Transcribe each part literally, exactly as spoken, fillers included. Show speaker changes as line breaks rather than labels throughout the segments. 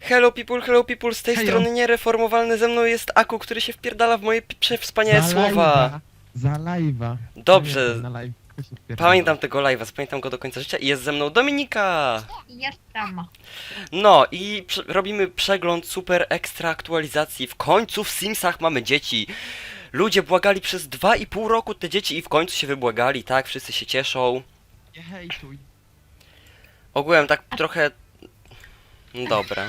Hello people, hello people, z tej
Hejo.
strony niereformowalny, ze mną jest Aku, który się wpierdala w moje pi- przewspaniałe
Za
słowa.
live'a, Za live'a.
Dobrze.
Pamiętam, na live kto się wpierdala.
Pamiętam tego live'a, zapamiętam go do końca życia i jest ze mną Dominika.
Jestem.
No i prze robimy przegląd super ekstra aktualizacji. W końcu w Simsach mamy dzieci. Ludzie błagali przez dwa i pół roku te dzieci i w końcu się wybłagali, tak? Wszyscy się cieszą.
Nie hejtuj.
Ogółem tak trochę... No dobra.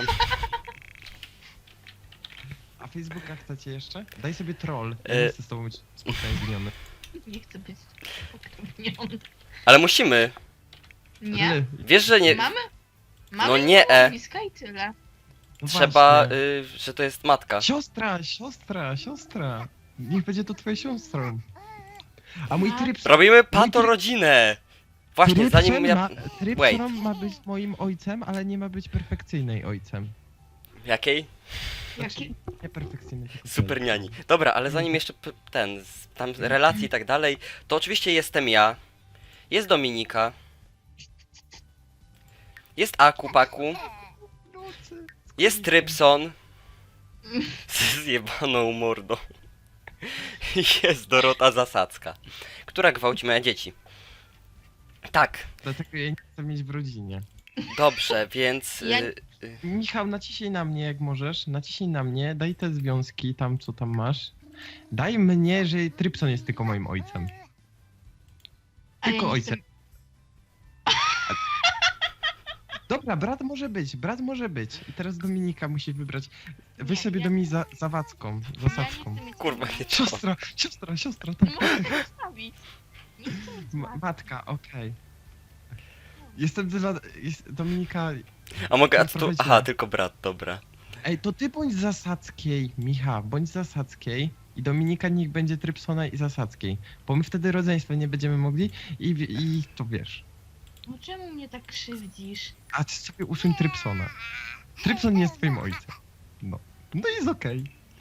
A Facebooka chcecie jeszcze? Daj sobie troll. Ja
E.
nie chcę z tobą być spotkaniony.
Nie chcę być pokrewniony.
Ale musimy.
Nie?
Wiesz, że nie...
Mamy? Mamy
No nie, e.
nazwiska i tyle.
No
Trzeba,
właśnie.
y, że to jest matka.
Siostra, siostra, siostra. Niech będzie to twoją siostrą. A mój
No.
tryb...
Robimy patorodzinę! Właśnie, zanim ja...
Ma, tryb
Wait.
ma być moim ojcem, ale nie ma być perfekcyjnej ojcem.
Jakiej?
Jaki?
Nie perfekcyjny, tylko
Super niani. Dobra, ale zanim jeszcze p- ten, z- tam relacje i tak dalej, to oczywiście jestem ja, jest Dominika, jest Aku Paku, jest Trypson, z zjebaną mordą, i jest Dorota Zasadzka, która gwałci moje dzieci. Tak,
Dlatego ja nie chcę mieć w rodzinie.
dobrze, więc...
Ja-
Y, y,
Michał, naciśnij na mnie jak możesz, naciśnij na mnie, daj te związki tam, co tam masz. Daj mnie, że Trypson jest tylko moim ojcem.
A ja
Tylko
nie
ojcem. Dobra, brat może być, brat może być. I teraz Dominika musi wybrać. Weź
Nie,
sobie
ja-
do mnie za, zawadzką,
Chcę... Ja
zasadzką.
nie chcę mieć
kurwa, nie to.
Siostra, siostra, siostra, tak.
Muszę to zostawić. Nie chcę mieć
Ma
matki.
matka, okej. Jestem dla... Jest, Dominika...
A mogę, a co tu?
Prowadziła.
Aha, tylko brat, dobra.
Ej, to ty bądź Zasadzkiej, Micha, bądź Zasadzkiej i Dominika niech będzie Trypsona i Zasadzkiej, bo my wtedy rodzeństwa nie będziemy mogli i, i to wiesz.
No czemu mnie tak krzywdzisz?
A ty sobie usuń Trypsona. Trypson nie jest twoim ojcem. No. No i jest okej.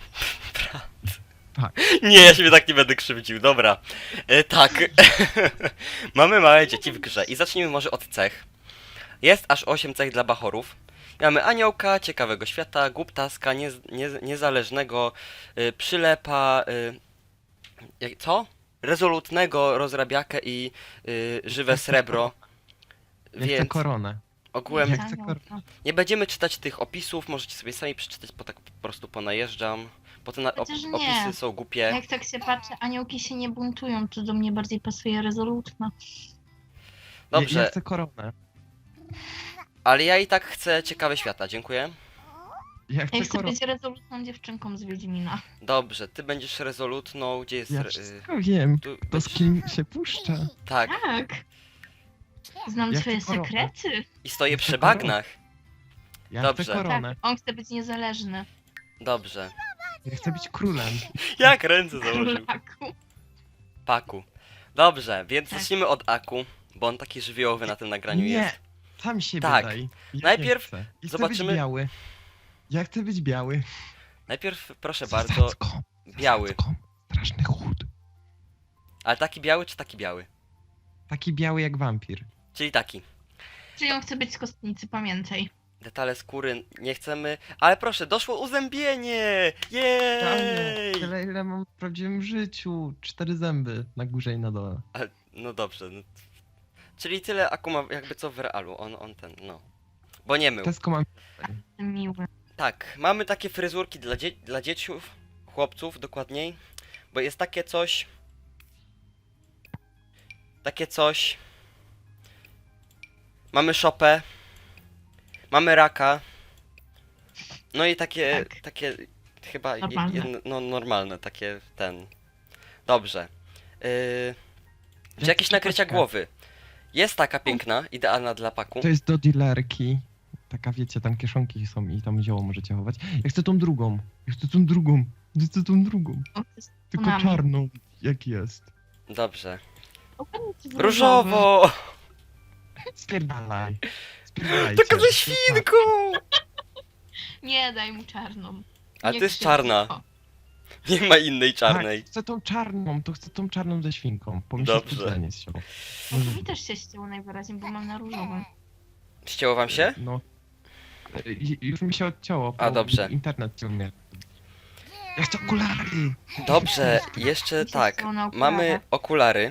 Nie, ja się tak nie będę krzywdził, dobra. E, tak. Mamy małe dzieci w grze i zacznijmy może od cech. Jest aż osiem cech dla bachorów. Mamy aniołka, ciekawego świata, głuptaska, nie, nie, niezależnego, y, przylepa, y, jak, co? Rezolutnego, rozrabiakę i y, żywe srebro.
Ja chcę
Więc
koronę.
ogółem
Ja chcę kor-
nie będziemy czytać tych opisów, możecie sobie sami przeczytać, bo tak po prostu ponajeżdżam. Bo te na, op,
Chociaż nie.
opisy są głupie.
Jak tak się patrzy, aniołki się nie buntują, to do mnie bardziej pasuje rezolutna.
Ja,
Dobrze,
ja chcę koronę.
ale ja i tak chcę ciekawe świata, dziękuję.
Ja
Ja
chcę
chcę
koronę.
być rezolutną dziewczynką z Wiedźmina.
Dobrze, ty będziesz rezolutną, gdzie jest...
Ja
re-
wszystko wiem.
tu,
To z kim się puszcza.
tak,
Tak. Znam
Ja
twoje
chcę koronę.
sekrety.
i stoję
Ja
przy
chcę koronę.
bagnach.
Ja
Dobrze.
chcę koronę.
Tak, on chce być niezależny.
Dobrze.
Ja chcę być królem.
Jak ręce założył?
Królaku.
Paku. Dobrze, więc
Tak.
zacznijmy od Aku, bo on taki żywiołowy na tym nagraniu
Nie.
jest.
Sam siebie
Tak.
daj. Ja
Najpierw
nie chcę. Ja chcę
zobaczymy-
być biały. Ja chcę być biały.
Najpierw, proszę bardzo,
Zasadzką,
biały.
zasadzką. Straszny chód.
Ale taki biały czy taki biały?
Taki biały jak wampir.
Czyli taki.
Czyli on chce być z kostnicy, pamiętaj.
Detale skóry nie chcemy, ale proszę, doszło uzębienie! Jej!
Tyle ile mam w prawdziwym życiu. Cztery zęby na górze i na dole.
No dobrze. No. Czyli tyle Aku ma jakby co w realu, on, on ten, no. Bo nie mył.
Tesco mam...
Miły.
Tak, mamy takie fryzurki dla, dzie dla dzieciów, chłopców dokładniej, bo jest takie coś, takie coś, mamy szopę, mamy raka, no i takie,
Tak.
takie chyba, je-
Normalne.
jedno, no normalne, takie ten, dobrze. Yy, czy
Jak
jakieś nakrycia
czapeczka.
głowy? Jest taka piękna, idealna dla Paku.
To jest do dealerki. Taka wiecie, tam kieszonki są i tam zioło możecie chować. Ja chcę tą drugą. Ja chcę tą drugą. Ja chcę tą drugą.
On chce z
Tylko
tunami.
czarną, jak jest.
Dobrze.
Ogarnij się z
Różowo!
Spierdalaj. Spierdalajcie.
Taka ze świnką!
Nie, daj mu czarną.
A
Nie
to jest
krzywdź.
czarna.
O,
Nie ma innej czarnej.
Tak, chcę tą czarną, to chcę tą czarną ze świnką. Bo mi się
Dobrze.
specjalnie ściął.
bo to mi też się ścięło najwyraźniej, bo mam na różowym.
Ścięło wam się?
No. I- Już mi się odcięło, bo
A, dobrze.
internet cię umie. Ja chcę okulary!
Dobrze, jeszcze
Mi się
tak.
chciało na
Mamy
okularach.
okulary.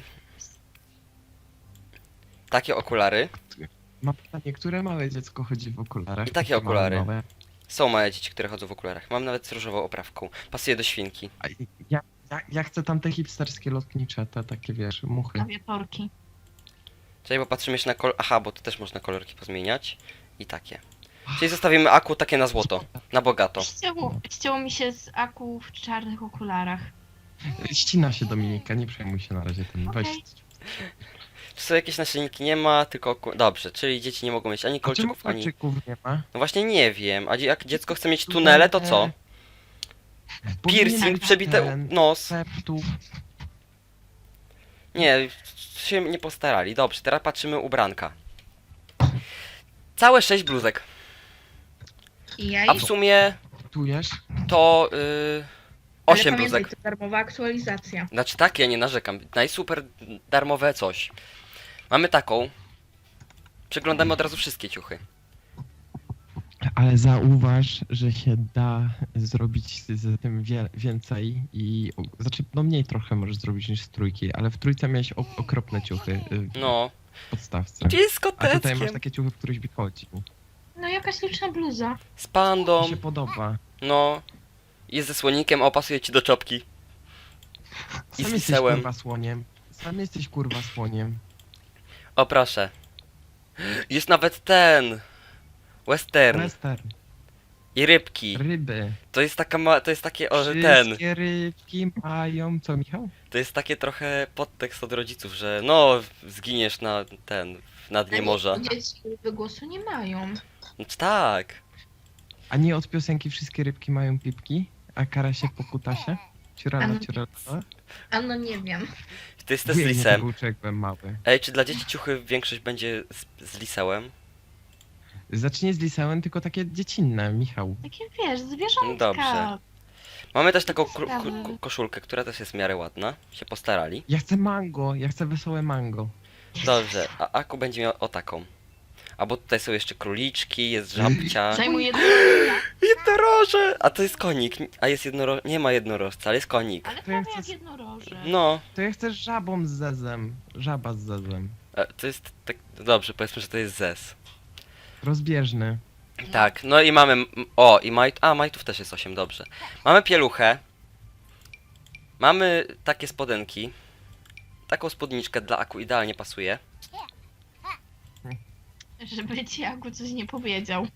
Takie okulary.
Mam pytanie, które małe dziecko chodzi w okularach?
I takie
Małe,
okulary.
małe.
Są małe dzieci, które chodzą w okularach. Mam nawet z różową oprawką. Pasuje do świnki.
A ja, ja, ja chcę tam te hipsterskie lotnicze, te takie wiesz, muchy.
Klawiatorki.
Czyli popatrzymy jeszcze na kolor... Aha, bo tu też można kolorki pozmieniać. I takie. Czyli zostawimy aku takie na złoto. Na bogato.
Ścięło, ścięło mi się z aku w czarnych okularach.
Ścina się Dominika, nie przejmuj się na razie tym. Weź.
Okej.
Czy są jakieś naszyjniki? Nie ma, tylko oku... Dobrze, czyli dzieci nie mogą mieć ani
A czemu
kolczyków, ani...
kolczyków nie ma?
No właśnie nie wiem. A dzie- jak dziecko chce mieć tunele, to co?
Powinien
Piercing,
być
przebite
ten,
nos.
septu.
Nie, się nie postarali. Dobrze, teraz patrzymy ubranka. Całe sześć bluzek.
I ja
A w sumie
Tujesz?
to yy, osiem bluzek.
to darmowa aktualizacja.
Znaczy tak, ja nie narzekam. Najsuper darmowe coś. Mamy taką. Przeglądamy od razu wszystkie ciuchy.
Ale zauważ, że się da zrobić z, z tym wie, więcej i... Znaczy, no mniej trochę możesz zrobić niż z trójki, ale w trójce miałeś ok- okropne ciuchy y,
No.
w podstawce.
Gdzie jest z
A tutaj masz
koteckiem?
takie ciuchy, w których wychodzi.
No jakaś liczna bluza.
Z
Mi
pandą.
się podoba.
No. Jest ze słonikiem, o pasuje ci do czopki. I
Sam
z
jesteś
lisełem.
kurwa słoniem. Sam jesteś kurwa słoniem.
O proszę. Jest nawet ten. Western.
Western.
I rybki.
Ryby.
To jest taka ma... To jest takie o, że ten.
Wszystkie rybki mają... Co, Michał?
To jest takie trochę podtekst od rodziców, że no zginiesz na ten. Na dnie morza.
Dzieci głosu nie mają.
No tak.
A nie od piosenki wszystkie rybki mają pipki? A karasie po kutasie? Ciurala,
Ano-
ciurala.
A no nie wiem.
To jest też z
Wiem, nie
lisem.
był człowiek, byłem mały.
Ej, czy dla dzieci ciuchy większość będzie z, z lisełem?
Zacznie z lisełem, tylko takie dziecinne, Michał.
Takie wiesz, zwierzątka.
Dobrze. Mamy też taką
Sprawy.
kru- ko- koszulkę, która też jest w miarę ładna. Się postarali.
Ja chcę mango, ja chcę wesołe mango.
Dobrze, a Aku będzie miał o taką. A bo tutaj są jeszcze króliczki, jest żabcia.
Zajmuje
Jednoroże! A to jest konik. A jest jednoro... Nie ma jednorożca, ale jest konik.
Ale
To ja
prawie
chcę
jak
z-
jednoroże.
No.
To ja chcę żabą z zezem. Żaba z zezem.
E, To jest tak... Dobrze, powiedzmy, że to jest zes.
Rozbieżny.
Tak, no i mamy... m- O, i maj... A, majtów też jest osiem, dobrze. Mamy pieluchę. Mamy takie spodenki. Taką spódniczkę dla Aku idealnie pasuje.
Żeby ci Aku coś nie powiedział.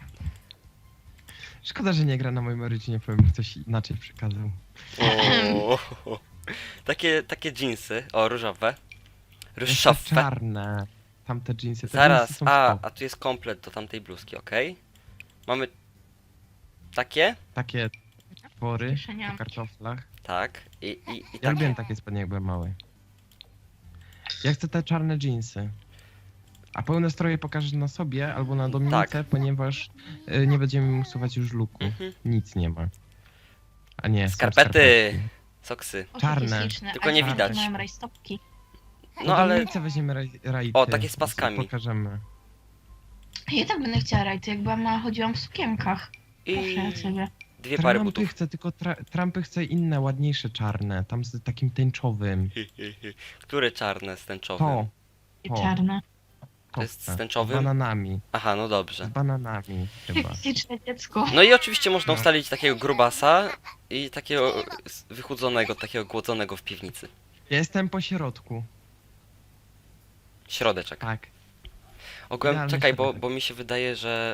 Szkoda, że nie gra na moim rodzinie, powiem, ktoś inaczej przekazał.
O, takie, takie dżinsy. O, różowe.
Jeszcze
Różowe.
czarne. Tamte dżinsy. Te
Zaraz,
dżinsy są
a,
spoko.
a tu jest komplet do tamtej bluzki, okej? Mamy takie?
Takie twory
Kieszeniami.
po kartoflach.
Tak. I, i, i
Ja
takie.
lubiłem takie spodnie, jak byłem mały. Ja chcę te czarne dżinsy. A pełne stroje pokażesz na sobie albo na Dominice,
Tak.
ponieważ y, nie będziemy usuwać już luku.
Mhm.
Nic nie ma. A nie, są
Skarpety. Soksy.
O,
Czarne.
takie śliczne.
Tylko
A
nie
dzieci
widać.
mają rajstopki.
No ale...
Dominice weźmiemy raj, rajty.
O, takie z paskami.
Pokażemy.
Ja tak będę chciała rajty, jak byłam mała, chodziłam w sukienkach. Proszę
I
ja ciebie.
dwie pary
Trumpy
butów.
chcę, tylko tra- Trumpy chcę inne, ładniejsze, czarne. Tam z takim tęczowym.
Które czarne z tęczowym?
To.
I
O.
czarne.
To jest
chcę.
z tęczowym?
Z bananami.
Aha, no
Z
dobrze.
bananami chyba.
Śliczne dziecko.
No i oczywiście można
No.
ustalić takiego grubasa i takiego s- wychudzonego, takiego głodzonego w piwnicy.
Ja jestem po środku.
Środeczek.
Tak.
Ogółem,
Idealny
czekaj, bo,
środek.
bo mi się wydaje, że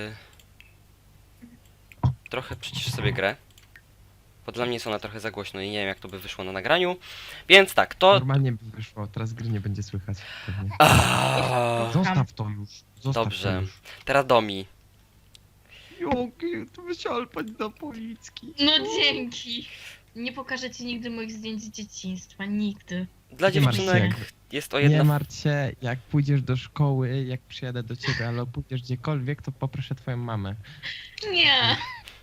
yy, trochę przycisz sobie grę. Bo dla mnie jest ona trochę za głośno i nie wiem jak to by wyszło na nagraniu. Więc tak, to...
Normalnie by wyszło, teraz gry nie będzie słychać. Pewnie.
Aaaa,
Zostaw to już. Zostaw
Dobrze.
To już.
teraz Domi.
Joki, to by się alpać do Policki.
No dzięki. Nie pokażę ci nigdy moich zdjęć z dzieciństwa. Nigdy.
Dla
Nie martw
dziewczynek
się.
jest to
Nie
jedna...
martw się, jak pójdziesz do szkoły, jak przyjadę do ciebie, albo pójdziesz gdziekolwiek, to poproszę twoją mamę.
Nie.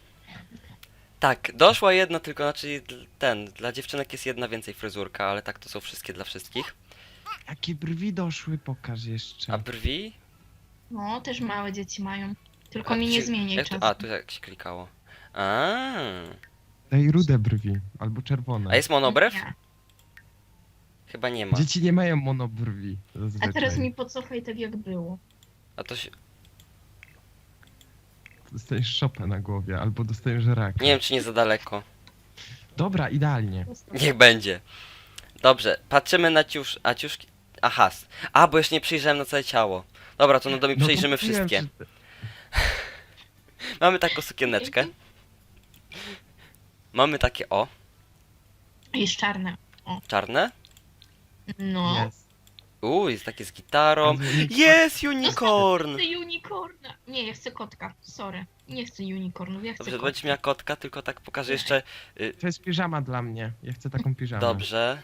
Tak, doszła jedna tylko, znaczy dl- ten, dla dziewczynek jest jedna więcej fryzurka, ale tak to są wszystkie dla wszystkich.
Jakie brwi doszły, pokaż jeszcze.
A brwi?
No, też małe dzieci mają. Tylko
A,
mi
tu
nie
się-
zmieniaj
jak to,
czasu.
A, tu jak się klikało. A,
Daj rude brwi, albo czerwone.
a jest monobrew?
Nie.
Chyba nie ma.
Dzieci nie mają monobrwi.
A
Zazwyczaj.
teraz mi pocofaj tak jak było.
A to się...
Dostajesz szopę na głowie, albo dostajesz raka.
Nie wiem, czy nie za daleko.
Dobra, idealnie.
Niech będzie. Dobrze, patrzymy na ciusz... A ciuszki... Aha. s- A, bo jeszcze nie przyjrzałem na całe ciało. Dobra, to no to mi
No to
przejrzymy
mówiłem,
wszystkie.
że-
Mamy taką sukieneczkę. Mamy takie, o,
Jest czarne.
czarne.
No.
Jest.
Uuu, jest takie z gitarą.
Albo unicorn.
Jest unicorn!
Chcę unicorna. Nie, ja chcę kotka. Sorry. Nie chcę unicornów, ja chcę
Dobrze,
kotka.
będziesz miała kotka, tylko tak pokażę jeszcze... Y,
To jest piżama dla mnie. Ja chcę taką piżamę.
dobrze.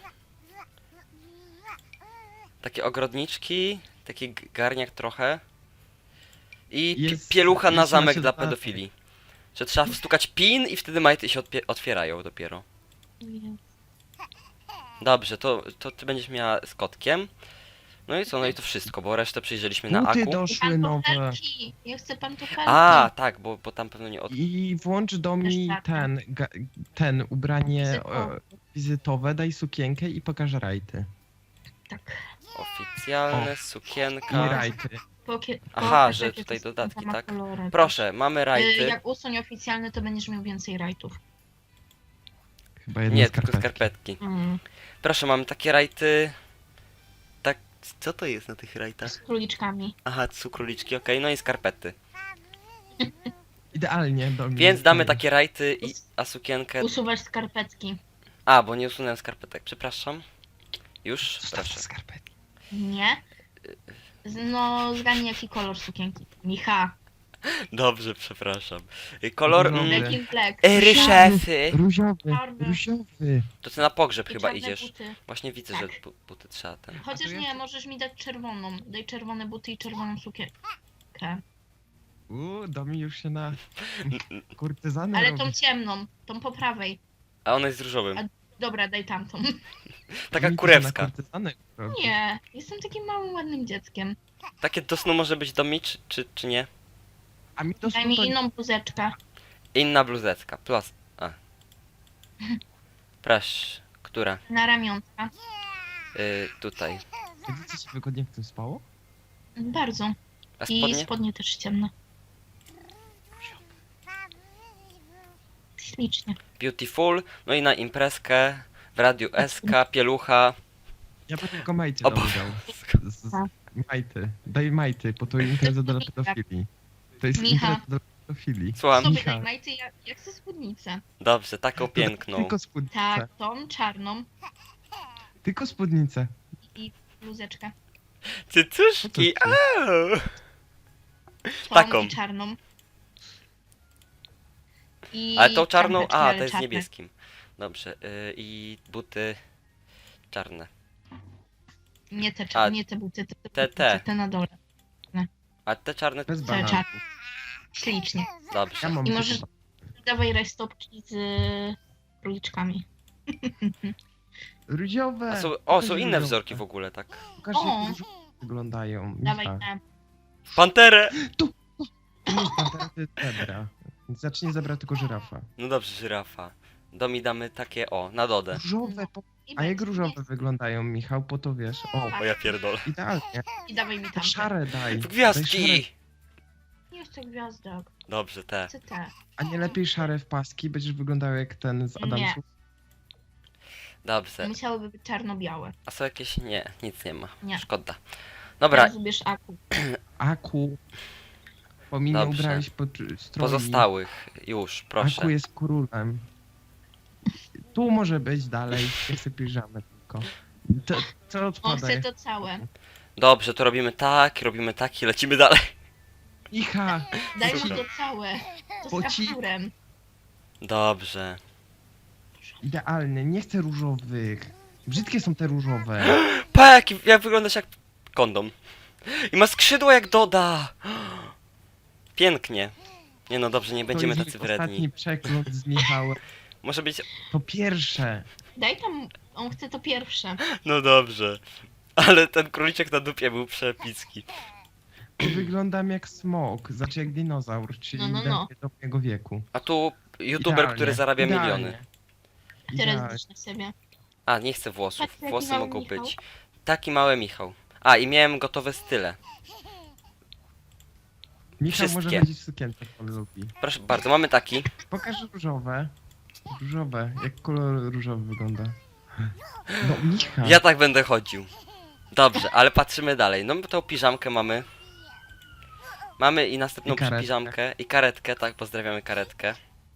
Takie ogrodniczki, taki g- garniak trochę. I pi-
Jest-
pielucha na
jest
zamek
macie
dla
dodatek.
pedofili. Że trzeba wstukać pin i wtedy majty się odpie- otwierają dopiero.
Nie.
Dobrze, to, to ty będziesz miała z kotkiem. No i co, no i to wszystko, bo resztę przyjrzeliśmy na
Buty
aku.
doszły nowe.
Pantofelki. Ja chcę pantofelki.
A, tak, bo, bo tam pewno nie od...
I włącz do mi
Też tak.
ten, ga, ten ubranie
Wizytowe.
e, wizytowe, daj sukienkę i pokaż rajty.
Tak.
Oficjalne,
I
sukienka.
rajty.
Pokie,
Aha,
pokaż,
że
jakie
tutaj
to są
dodatki,
tam
tak?
kolory.
Proszę, mamy
Y,
rajty.
Jak usuń oficjalny, to będziesz miał więcej rajtów.
Chyba jedne
Nie, tylko
skarpetki.
skarpetki.
Mm.
Proszę, mamy takie rajty. Tak, co to jest na tych rajtach?
Z króliczkami.
Aha, cukruliczki, okej, no i skarpety.
Idealnie do mnie.
Więc damy takie rajty, i, a sukienkę...
Usuwasz skarpetki.
A, bo nie usunąłem skarpetek, przepraszam. Już,
Zostaw te
proszę.
skarpetki.
Nie. Z- No, zgadnij jaki kolor sukienki. Micha.
Dobrze, przepraszam. Y, Kolor...
No,
Mm,
Black in black.
Ery szefy!
Różowy,
Czarny.
różowy.
To ty na pogrzeb
I
chyba
czarne
idziesz.
buty.
Właśnie widzę,
Tak.
że bu buty trzeba ten...
Chociaż
A to ja
nie,
chcę-
możesz mi dać czerwoną. Daj czerwone buty i czerwoną sukienkę.
Uuu, Domi już się na kurtyzanę
Ale
robi.
tą ciemną, tą po prawej.
A ona jest różowym.
A- Dobra, daj tamtą.
Taka
Domi to się
kurewska.
na kurtyzanę robi.
Nie, jestem takim małym, ładnym dzieckiem.
Takie do snu może być do mi, czy, czy, czy nie?
A mi to
Daj
są
mi
to...
inną bluzeczkę.
Inna bluzecka, plus... A. Proszę, która?
Na ramionka.
Y, tutaj.
Widzicie się wygodnie w tym spało?
Bardzo.
A
I
spodnie?
spodnie też ciemne. Ślicznie.
Beautiful, no i na imprezkę w Radiu S K, pielucha.
Ja bym tylko majty
O
dał.
Boże.
Z, z, majty. Daj majty, bo to impreza dla pedofilii. To jest
Micha.
impreza dla pedofilii.
Słucham.
Sobie
Micha.
daj majty, ja, ja chcę spódnicę.
Dobrze, taką piękną.
Tylko spódnicę.
Tak, tą czarną
Tylko spódnicę.
i bluzeczkę.
Cycuszki,
Co to
au!
Tą
Taką.
i czarną. I
Ale tą czarną,
czapeczki,
a,
ale
to jest
czarne.
niebieskim. Dobrze, y, i buty czarne.
Nie te,
A,
czarne, nie te buty, te, te,
te,
buty,
te.
te na dole.
A te czarne...
Bez
Te
bananów.
czarne. Ślicznie.
Dobrze.
Ja mam
I
tylko
możesz- Dawaj rajstopki z króliczkami.
Różowe.
A są, o,
Pokaż
są inne
różowe.
wzorki w ogóle, tak.
Pokaż
O.
jak różowe wyglądają.
Dawaj
Micha.
te.
Panterę!
To nie jest pantera, to jest zebra. Więc zacznie zebra tylko żyrafa.
No dobrze, żyrafa. Domi damy takie, o, na dodę.
Różowe, po...
I
a jak
będzie-
różowe wyglądają, Michał, po to wiesz. O,
O ja pierdolę.
idealnie.
I dawaj mi
To
tam.
szare daj.
W
Daj szare.
gwiazdki!
Nie chcę gwiazdek.
Dobrze, te.
Chcę te.
A nie lepiej szare w paski? Będziesz wyglądał jak ten z
Nie.
Adamsów?
Dobrze.
Musiałyby być czarno-białe.
A są jakieś... Nie, nic nie ma.
Nie.
Szkoda. Dobra,
Teraz ubierz aku.
Aku. Bo mi nie
Dobrze.
ubrałeś pod stroi.
pozostałych. Już, proszę.
Aku jest królem. Tu może być dalej. Nie chcę piżamy tylko. To, co
On
odpada?
chce to całe.
Dobrze, to robimy tak, robimy tak i lecimy dalej.
Icha!
Daj mi
Słucham.
to całe. To
Bo
z
ci-
kapturem.
Dobrze.
Idealnie, nie chcę różowych. Brzydkie są te różowe.
Pa, jak, jak wyglądasz jak kondom. I ma skrzydła jak Doda. Pięknie. Nie no dobrze, nie będziemy
to
tacy
jest
wredni.
ostatni przegląd z Michałem.
Może być...
To pierwsze.
Daj tam. On chce to pierwsze.
No dobrze. Ale ten króliczek na dupie był przepicki.
Wyglądam jak smok, znaczy jak dinozaur, czyli
No, no, no.
idealnie do mojego wieku.
A tu youtuber,
Idealnie,
który zarabia
idealnie.
miliony.
Teraz
Idealnie.
zbliż na siebie.
A, nie chcę włosów.
Patrz, jaki
Włosy
mały
mogą
Michał.
być. Taki mały Michał. A, i miałem gotowe style.
Michał może
Wszystkie.
chodzić w sukience, jak on lubi.
Proszę bardzo, mamy taki.
Pokaż różowe. Różowe, jak kolor różowy wygląda. No Michał.
Ja tak będę chodził. Dobrze, ale patrzymy dalej. No tą piżamkę mamy. Mamy i następną
I karetkę.
piżamkę. I karetkę, tak, pozdrawiamy karetkę.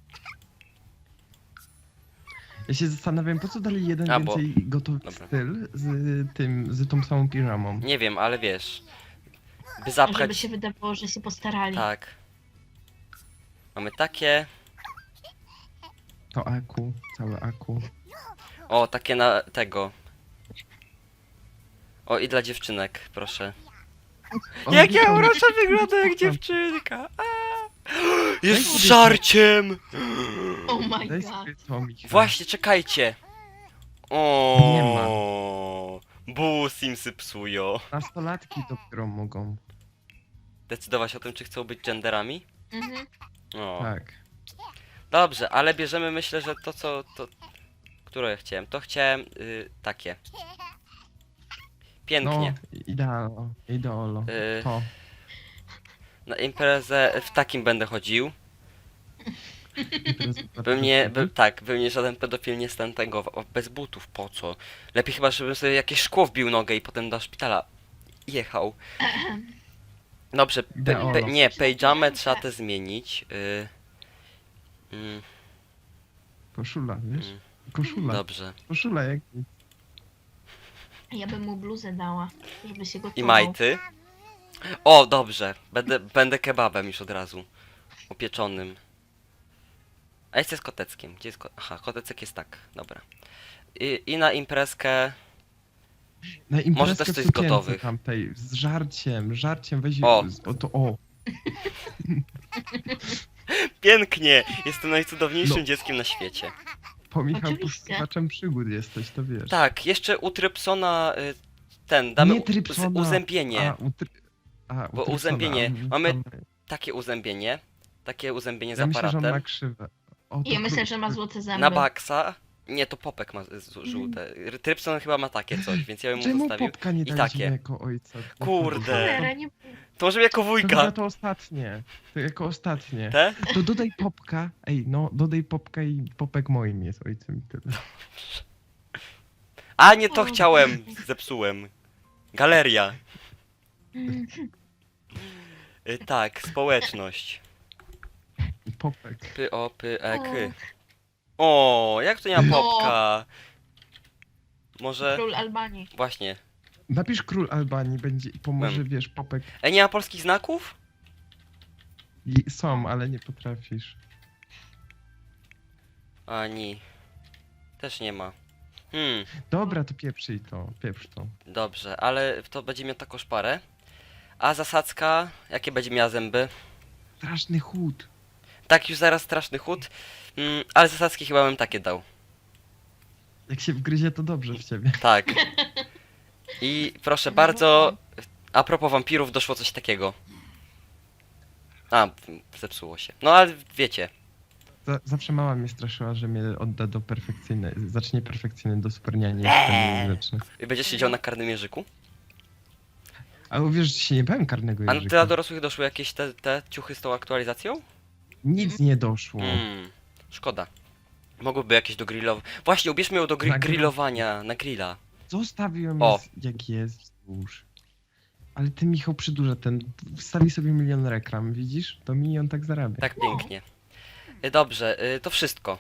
Ja się zastanawiam, po co dali jeden
A, bo-
więcej gotowy
Dobra.
styl z tym, z tą samą piżamą.
Nie wiem, ale wiesz. By
Żeby
zapchać.
się wydawało, że się postarali.
Tak. Mamy takie.
To aku, całe aku.
O, takie na tego. O, i dla dziewczynek, proszę.
O,
Jak ja
Michał,
uroczo wyglądam jak
Michał,
dziewczynka. A! Jest
Daj
z
sobie
żarciem!
Oh my
Daj
god.
sobie to, Michał.
Właśnie, czekajcie.
Nie
O, bu Simsy psują.
Nastolatki dopiero mogą.
Decydować o tym, czy chcą być genderami?
Mhm.
O.
Tak.
Dobrze, ale bierzemy, myślę, że to co, to... Które ja chciałem? To chciałem y, takie. Pięknie.
No, idealo, ideolo.
Y.
To.
Na imprezę w takim będę chodził.
Impreza
By mnie,
zapraszamy.
by, tak, by mnie żaden pedofil nie stantegował. Bez butów, po co? Lepiej chyba, żebym sobie jakieś szkło wbił nogę i potem do szpitala jechał. Dobrze, pe, pe,
Ideolo.
nie, pejamę trzeba te zmienić. Y, mm,
Koszula, wiesz?
Mm.
Koszula.
dobrze.
Koszula jak nic.
Ja bym mu bluzę dała, żeby się gotował.
I majty. O, dobrze. Będę, będę kebabem już od razu. Upieczonym. A jest z koteckiem. Gdzie jest ko Aha, kotecek jest tak. Dobra. I, i na imprezkę...
Na imprezkę
też
w
coś
sukience
gotowych.
tamtej, z żarciem, żarciem weź
O.
z- o to o.
Pięknie! Jestem najcudowniejszym
No.
dzieckiem na świecie.
Po Michał
Oczywiście.
poszukiwaczem przygód jesteś, to wiesz.
Tak, jeszcze u Trypsona y, ten, damy
Nie
u-
Trypsona.
z- uzębienie.
A, u try... A, u
Bo
Trypsona,
uzębienie.
a,
Mamy
tam-
Takie uzębienie. Takie uzębienie z
Ja myślę, że on
aparatem.
ma krzywe. O, to
Ja myślę,
kru-
że ma złote zęby.
Na baksa. Nie, to Popek ma z- z- żółte. Trypson chyba ma takie coś, więc ja bym mu
Czemu
zostawił.
popka nie
I
daliśmy
takie.
jako ojca? No
Kurde.
Cholera, nie...
To może jako
To
wujka.
chyba to ostatnie. To jako ostatnie.
Te?
To dodaj popka. Ej, no, dodaj popka i popek moim jest ojcem i tyle.
A nie to
O.
chciałem. Zepsułem. Galeria. Y, tak, społeczność.
Popek.
Py o py e k. O, jak to nie ma
No.
popka? Może.
Król Albanii.
Właśnie.
Napisz król Albanii, będzie i pomoże,
Mem.
wiesz, popek.
Ej, nie ma polskich znaków?
I są, ale nie potrafisz.
Ani. Też nie ma. Hmm,
Dobra, to pieprzyj to, pieprz to.
dobrze, ale to będzie miał taką szparę. A zasadzka, jakie będzie miała zęby?
Straszny chód.
Tak, już zaraz straszny chód. Mm, ale zasadzki chyba bym takie dał.
Jak się wgryzie, to dobrze w ciebie.
Tak. I proszę bardzo, a propos wampirów doszło coś takiego. A, zepsuło się. No ale wiecie.
Za, zawsze mama mnie straszyła, że mnie odda do perfekcyjnej, zacznie perfekcyjny do superniania, jestem grzeczny.
Będziesz siedział na karnym jeżyku?
A uwierz, że się nie bałem karnego
A
jeżyka.
dla dorosłych doszły jakieś te, te ciuchy z tą aktualizacją?
Nic nie doszło.
Mm, szkoda. Mogłyby jakieś do grillowania. Właśnie, ubierzmy ją do gri
Na grill.
grillowania, na grilla.
Zostawiłem
O.
jest, jak jest wzdłuż. Ale ty, Michał, przydurza ten, wstawi sobie milion reklam, widzisz? To milion tak zarabia.
Tak pięknie. Y, Dobrze, y, to wszystko.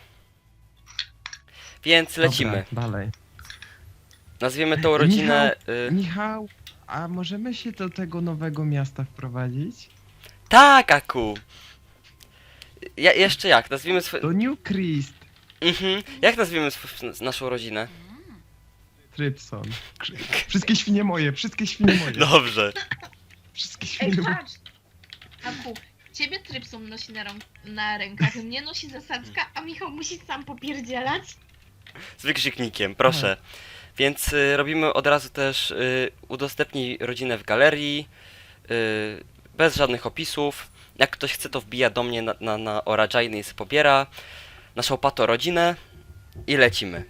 Więc
Dobra,
lecimy.
dalej.
Nazwiemy tą rodzinę... Y...
Michał, a możemy się do tego nowego miasta wprowadzić?
Tak, Aku! Ja, jeszcze jak? Nazwijmy swy...
Do New Christ,
Mhm. Jak nazwiemy sw... naszą rodzinę?
Trypson. Krzy- Wszystkie świnie moje, wszystkie świnie moje.
Dobrze.
Wszystkie
Ej,
świnie moje.
patrz! Aku, ciebie Trypson nosi na, rąk- na rękach, mnie nosi zasadzka, a Michał musi sam popierdzielać.
Z wykrzyknikiem, proszę. Więc y, robimy od razu też y, udostępnij rodzinę w galerii. Yy, bez żadnych opisów. Jak ktoś chce, to wbija do mnie na, na, na Orajiny i sobie pobiera naszą pato rodzinę i lecimy.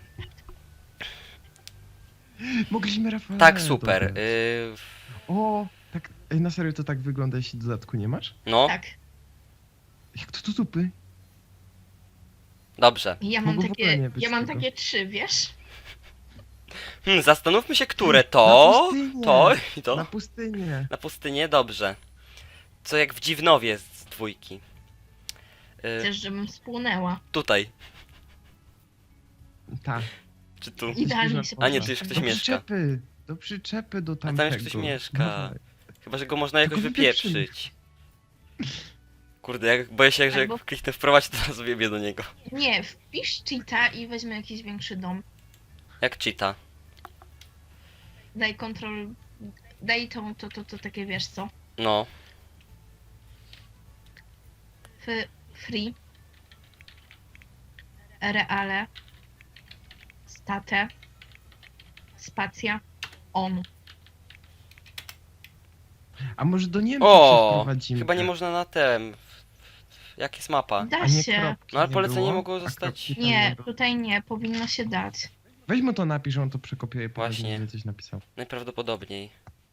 Mogliśmy Rafał.
Tak, super. Yy,
O, tak, ej, na serio to tak wygląda, jeśli dodatku nie masz?
no,
Tak.
Jak to tu zupy?
dobrze.
Ja mam
Mogło w ogóle nie
takie,
być
ja mam
tego.
takie trzy, wiesz?
Hmm, zastanówmy się, które to,
Na pustynię.
to i to.
Na pustynię.
Na pustynię, dobrze. Co jak w Dziwnowie z dwójki. Yy,
Chcesz, żebym spłonęła.
tutaj,
Tak.
czy tu?
Idealnie się
A nie, tu już
poszło.
ktoś
do
mieszka.
przyczepy, do przyczepy, do
tam
tamtego.
już ktoś mieszka.
Dawaj.
Chyba, że go można jakoś
Tylko wypieprzyj.
wypieprzyć. Kurde, jak boję się, że
Albo-
jak kliknę wprowadź, to zaraz wiebię do niego.
Nie, wpisz cheata i weźmy jakiś większy dom.
Jak cheata.
Daj kontrol... Daj to, to, to, to takie, wiesz co?
No,
F free. Reale. State. Spacja. On.
A może do Niemczech
o,
przeprowadzimy?
chyba nie można na tem. Jak jest mapa?
Da
A nie
się.
kropki
No, ale
nie
polecenie
było?
mogło
A
zostać-
kropki tam
Nie,
było?
tutaj nie, powinno się dać.
Weź mu to napisz, on to przekopiuje i
Właśnie.
Właśnie. coś napisał.
Najprawdopodobniej.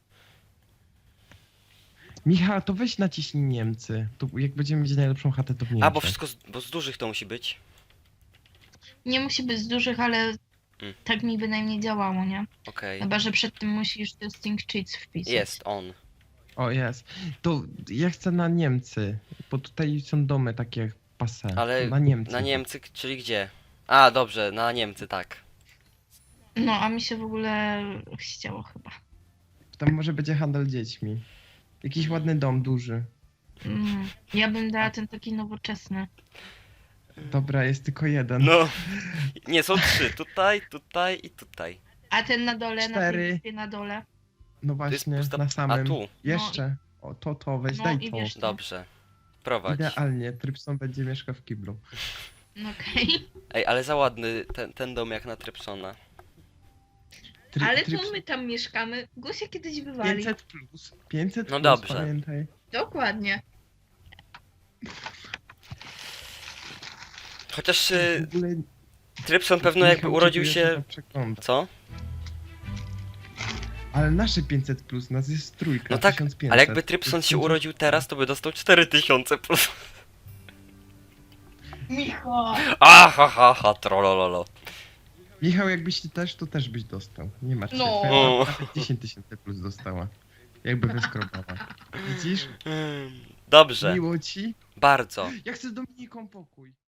Michał, to weź naciśnij Niemcy. To jak będziemy mieć najlepszą chatę, to w Niemczech.
A, bo wszystko z, bo z dużych to musi być.
Nie musi być z dużych, ale
Mm.
tak mi bynajmniej działało, nie?
Okej.
Chyba, że przed tym musisz testing cheats wpisać.
Jest, on.
O, jest. To ja chcę na Niemcy, bo tutaj są domy takie jak pase.
Ale
Na Niemcy.
Na Niemcy, czyli gdzie? A, dobrze, na Niemcy, tak.
No, a mi się w ogóle chciało chyba.
Tam może będzie handel dziećmi. Jakiś ładny dom, duży.
Mm. Ja bym dała ten taki nowoczesny.
Dobra, jest tylko jeden.
No. Nie, są trzy. Tutaj, tutaj i tutaj.
A ten na dole, na
Cztery.
tej wyspie na dole.
No
To jest
właśnie,
pusta...
na
A
samym.
tu.
Jeszcze. O, to, to, weź,
No
daj
i
to.
wiesz-
Dobrze. Prowadź.
Idealnie, Trypson będzie mieszkał w kiblu.
No okej.
Ej, ale za ładny ten, ten dom jak na Trypsona.
Try,
Ale
Tryps-
tu my tam mieszkamy. Gosia kiedyś wywali.
pięćset plus. pięćset
No
plus,
dobrze.
pamiętaj.
Dokładnie.
Chociaż
W
y,
ogóle
Trypson pewno jakby
Michał
urodził
dziękuję, że
się...
to przegląda.
Co?
Ale nasze pięćset plus, nas jest trójka,
No tak,
tysiąc pięćset.
ale jakby Trypson się urodził teraz, to by dostał cztery tysiące plus.
Micho!
A, ha, ha, ha, trollololo.
Michał, jakbyś ty też, to też byś dostał. Nie masz
No.
no. Nawet dziesięć tysięcy plus dostała. Jakby wyskrobała. Widzisz?
Hmm, Dobrze,
Miło ci.
bardzo.
Ja chcę z Dominiką pokój.